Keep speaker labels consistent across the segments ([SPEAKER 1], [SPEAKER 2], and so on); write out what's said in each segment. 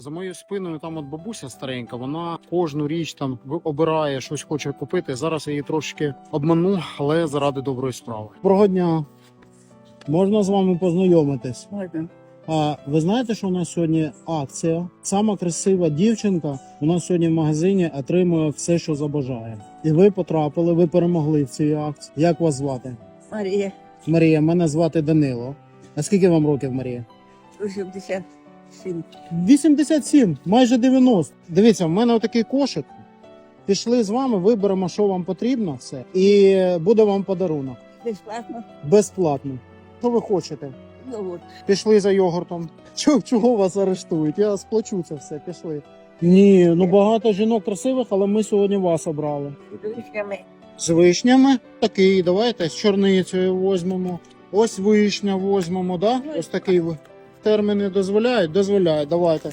[SPEAKER 1] За моєю спиною там от бабуся старенька, вона кожну річ там обирає, щось хоче купити. Зараз я її трошки обману, але заради доброї справи. Доброго дня. Можна з вами познайомитись?
[SPEAKER 2] Можна.
[SPEAKER 1] А ви знаєте, що у нас сьогодні акція? Сама красива дівчинка у нас сьогодні в магазині отримує все, що забажає. І ви потрапили, ви перемогли в цій акції. Як вас звати?
[SPEAKER 2] Марія,
[SPEAKER 1] Марія, мене звати Данило. А скільки вам років, Марія?
[SPEAKER 2] 87.
[SPEAKER 1] 87, майже 90. Дивіться, в мене отакий кошик. Пішли з вами, виберемо, що вам потрібно, все. І буде вам подарунок.
[SPEAKER 2] Безплатно.
[SPEAKER 1] Безплатно. Що ви хочете?
[SPEAKER 2] Йогурт.
[SPEAKER 1] Пішли за йогуртом. Чого вас арештують? Я сплачу це все, пішли. Ні, ну багато жінок красивих, але ми сьогодні вас обрали.
[SPEAKER 2] І вишнями.
[SPEAKER 1] З вишнями? Такий, давайте з чорницею візьмемо. Ось вишня візьмемо, да? Ось такий терміни дозволяють? Дозволяють, давайте.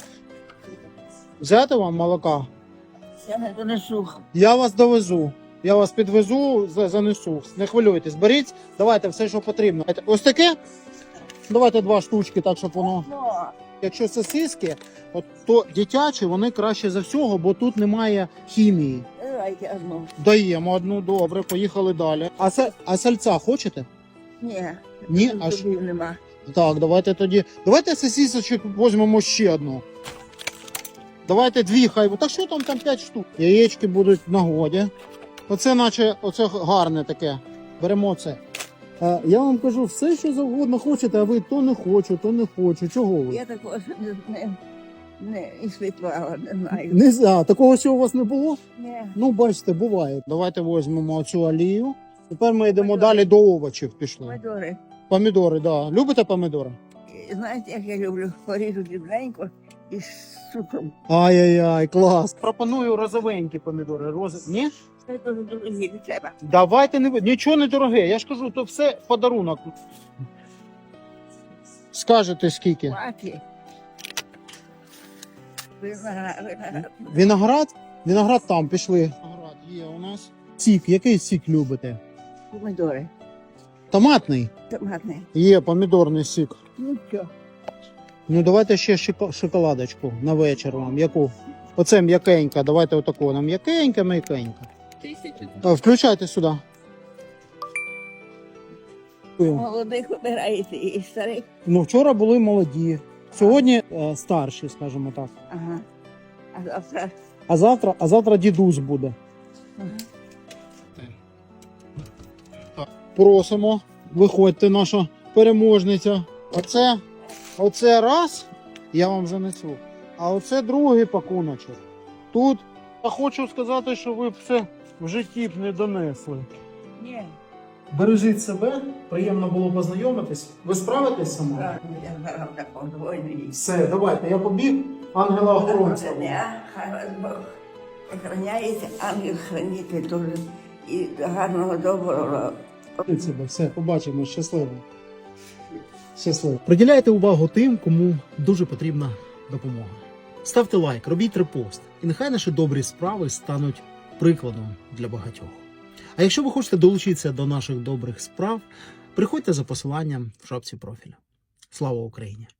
[SPEAKER 1] Взяти вам молока?
[SPEAKER 2] Я не донесу.
[SPEAKER 1] Я вас довезу. Я вас підвезу, занесу. Не хвилюйтесь, беріть, давайте все, що потрібно. Ось таке? Давайте 2 штучки, так, щоб воно... Якщо сосиски, от, то дитячі, вони краще за всього, бо тут немає хімії.
[SPEAKER 2] Давайте одну.
[SPEAKER 1] Даємо одну, добре, поїхали далі. А сальця хочете?
[SPEAKER 2] Ні.
[SPEAKER 1] Ні?
[SPEAKER 2] Тут
[SPEAKER 1] Аж...
[SPEAKER 2] зубів нема.
[SPEAKER 1] Так, давайте тоді. Давайте сосисочок візьмемо ще одну. Давайте 2 хай. Так що там 5 штук? Яєчки будуть в нагоді. Оце наче, оце гарне таке. Беремо це. Я вам кажу, все, що завгодно хочете, а ви то не хочу, то не хочу. Чого ви?
[SPEAKER 2] Я такого не іспитувала, не знаю.
[SPEAKER 1] Такого всього у вас не було?
[SPEAKER 2] Ні.
[SPEAKER 1] Ну, бачите, буває. Давайте візьмемо оцю олію. Тепер ми йдемо
[SPEAKER 2] Помідори.
[SPEAKER 1] далі до овочів пішли.
[SPEAKER 2] Помідори.
[SPEAKER 1] Помідори, да. Любите помідори?
[SPEAKER 2] І знаєте, як я люблю? Поріжу дрібненько і з цукром.
[SPEAKER 1] Ай-яй-яй, клас. Пропоную розовенькі помідори. Ні?
[SPEAKER 2] Це дуже дорогі, не треба.
[SPEAKER 1] Давайте нічого не дороге. Я ж кажу, то все подарунок. Скажете скільки?
[SPEAKER 2] Платі. Виноград.
[SPEAKER 1] Виноград? Виноград там пішли. Виноград є у нас. Сік, який сік любите?
[SPEAKER 2] Помідори.
[SPEAKER 1] Томатний?
[SPEAKER 2] Томатний.
[SPEAKER 1] Є помідорний сік.
[SPEAKER 2] Ну що?
[SPEAKER 1] Ну давайте ще шоколадочку на вечір вам. Яку? Оце м'якенька. Давайте отаку. Нам м'якенька.
[SPEAKER 2] 1000.
[SPEAKER 1] Включайте сюди.
[SPEAKER 2] Молодих обираєте і старих.
[SPEAKER 1] Ну вчора були молоді. Сьогодні старші, скажімо так.
[SPEAKER 2] Ага. А завтра?
[SPEAKER 1] А завтра дідусь буде.
[SPEAKER 2] Ага.
[SPEAKER 1] Просимо, виходьте, наша переможниця. Оце раз, я вам занесу. А оце другий пакуночок. Тут я хочу сказати, що ви б це в житті б не донесли.
[SPEAKER 2] Ні.
[SPEAKER 1] Бережіть себе, приємно було познайомитись. Ви справитесь сама?
[SPEAKER 2] Так, я зараз такого двойної.
[SPEAKER 1] Все, давайте, я побіг. Ангела охоронця.
[SPEAKER 2] Хай вас Бог охороняється, ангел-хранитель дуже. І гарного, доброго.
[SPEAKER 1] Все, побачимо, щасливо. Щасливо. Приділяйте увагу тим, кому дуже потрібна допомога. Ставте лайк, робіть репост. І нехай наші добрі справи стануть прикладом для багатьох. А якщо ви хочете долучитися до наших добрих справ, приходьте за посиланням в шапці профіля. Слава Україні!